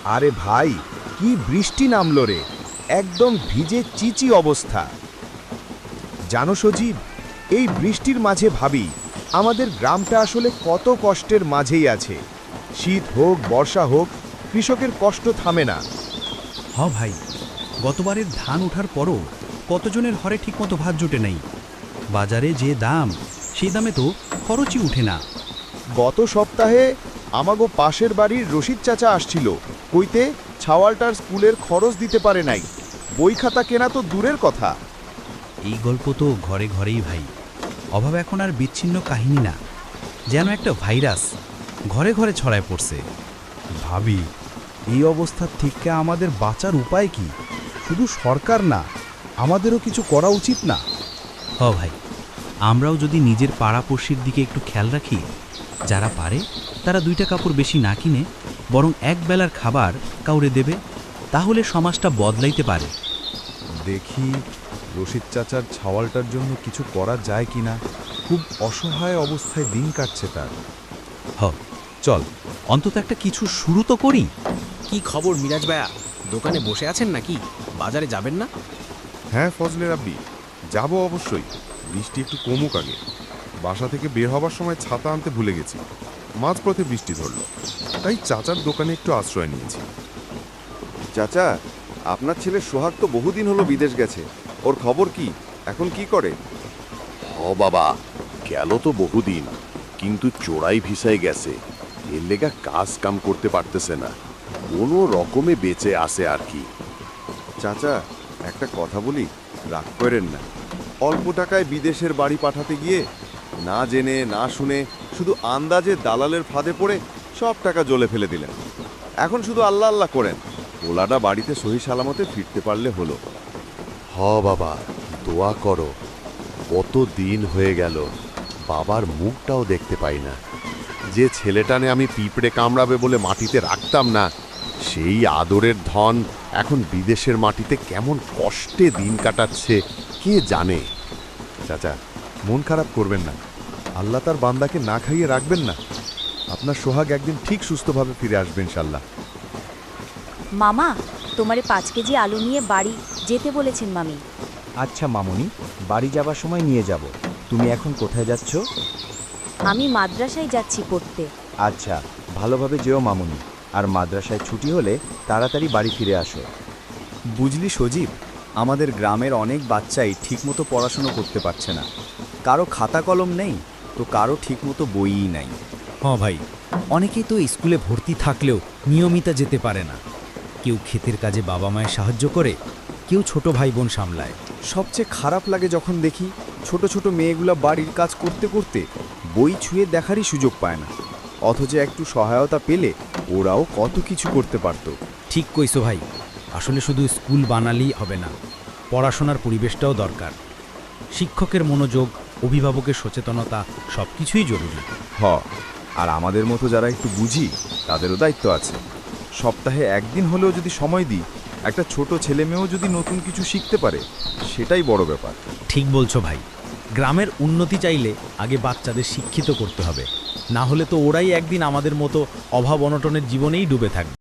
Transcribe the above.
আরে ভাই, কি বৃষ্টি নামলো রে! একদম ভিজে চিচি অবস্থা। জানো সজীব, এই বৃষ্টির মাঝে ভাবি আমাদের গ্রামটা আসলে কত কষ্টের মাঝেই আছে। শীত হোক বর্ষা হোক, কৃষকের কষ্ট থামে না। ভাই, গতবারের ধান ওঠার পরও কতজনের ঘরে ঠিকমতো ভাত জুটে নেই। বাজারে যে দাম, সেই দামে তো খরচই উঠে না। গত সপ্তাহে আমাগো পাশের বাড়ির রশিদ চাচা আসছিল, কইতে ছাওয়ালটার স্কুলের খরচ দিতে পারে নাই। বই খাতা কেনা তো দূরের কথা। এই গল্প তো ঘরে ঘরেই ভাই। অভাব এখন আর বিচ্ছিন্ন কাহিনী না, যেন একটা ভাইরাস ঘরে ঘরে ছড়ায় পড়ছে। ভাবি, এই অবস্থার থেকে আমাদের বাঁচার উপায় কি? শুধু সরকার না, আমাদেরও কিছু করা উচিত না? ভাই, আমরাও যদি নিজের পাড়াপড়শির দিকে একটু খেয়াল রাখি, যারা পারে তারা 2টা কাপড় বেশি না কিনে বরং এক বেলার খাবার কাউরে দেবে, তাহলে সমাজটা বদলাইতে পারে। দেখি রশিদ চাচার ছাওয়ালটার জন্য কিছু করা যায় কিনা। খুব অসহায় অবস্থায় দিন কাটছে তার। চল, অন্তত একটা কিছু শুরু তো করি। কি খবর মিরাজ ভাইয়া? দোকানে বসে আছেন নাকি? বাজারে যাবেন না? হ্যাঁ ফজলে রাব্বি, যাব অবশ্যই। বৃষ্টি একটু কমুক আগে। বাসা থেকে বের হবার সময় ছাতা আনতে ভুলে গেছি। মাঝপথে বৃষ্টি ধরলো, তাই চাচার দোকানে একটু আশ্রয় নিয়েছি। চাচা, আপনার ছেলে সোহাগ তো বহুদিন হলো বিদেশ গেছে। ওর খবর কি? এখন কি করে? বাবা, গেল তো বহুদিন, কিন্তু চোরাই ভিসায় গেছে। এর লেগা কাজ কাম করতে পারতেছে না, কোনো রকমে বেঁচে আসে আর কি। চাচা, একটা কথা বলি, রাগ করেন না। অল্প টাকায় বিদেশের বাড়ি পাঠাতে গিয়ে না জেনে না শুনে শুধু আন্দাজে দালালের ফাঁদে পড়ে সব টাকা জ্বলে ফেলে দিলেন। এখন শুধু আল্লাহ আল্লাহ করেন, ওলাটা বাড়িতে সহি সালামতে ফিরতে পারলে হলো। বাবা, দোয়া করো। কত দিন হয়ে গেল বাবার মুখটাও দেখতে পাই না। যে ছেলেটানে আমি পিঁপড়ে কামড়াবে বলে মাটিতে রাখতাম না, সেই আদরের ধন এখন বিদেশের মাটিতে কেমন কষ্টে দিন কাটাচ্ছে কে জানে। চাচা, মন খারাপ করবেন না। আল্লাহ তার বান্দাকে না খাইয়ে রাখবেন না। আপনার সোহাগ একদিন ঠিক সুস্থভাবে ফিরে আসবেন ইনশাল্লাহ। মামা, তোমারে 5 কেজি আলু নিয়ে বাড়ি যেতে বলেছেন মামি। আচ্ছা মামুনি, বাড়ি যাবার সময় নিয়ে যাব। তুমি এখন কোথায় যাচ্ছ? আমি মাদ্রাসায় যাচ্ছি পড়তে। আচ্ছা, ভালোভাবে যেও মামুনি। আর মাদ্রাসায় ছুটি হলে তাড়াতাড়ি বাড়ি ফিরে আসো। বুঝলি সজীব, আমাদের গ্রামের অনেক বাচ্চাই ঠিকমতো পড়াশুনো করতে পারছে না। কারো খাতা কলম নেই, তো কারো ঠিকমতো বইই নাই। ভাই, অনেকেই তো স্কুলে ভর্তি থাকলেও নিয়মিত যেতে পারে না। কেউ ক্ষেতের কাজে বাবা মায়ের সাহায্য করে, কেউ ছোট ভাই বোন সামলায়। সবচেয়ে খারাপ লাগে যখন দেখি ছোট ছোট মেয়েগুলা বাড়ির কাজ করতে করতে বই ছুঁয়ে দেখারই সুযোগ পায় না, অথচ একটু সহায়তা পেলে ওরাও কত কিছু করতে পারত। ঠিক কইছো ভাই, আসলে শুধু স্কুল বানালেই হবে না, পড়াশোনার পরিবেশটাও দরকার। শিক্ষকের মনোযোগ, অভিভাবকের সচেতনতা সব কিছুই জরুরি। আর আমাদের মতো যারা একটু বুঝি, তাদেরও দায়িত্ব আছে। সপ্তাহে একদিন হলেও যদি সময় দিই, একটা ছোট ছেলে মেয়েও যদি নতুন কিছু শিখতে পারে, সেটাই বড় ব্যাপার। ঠিক বলছো ভাই, গ্রামের উন্নতি চাইলে আগে বাচ্চাদের শিক্ষিত করতে হবে, না হলে তো ওরাই একদিন আমাদের মতো অভাব অনটনের জীবনেই ডুবে থাকবে।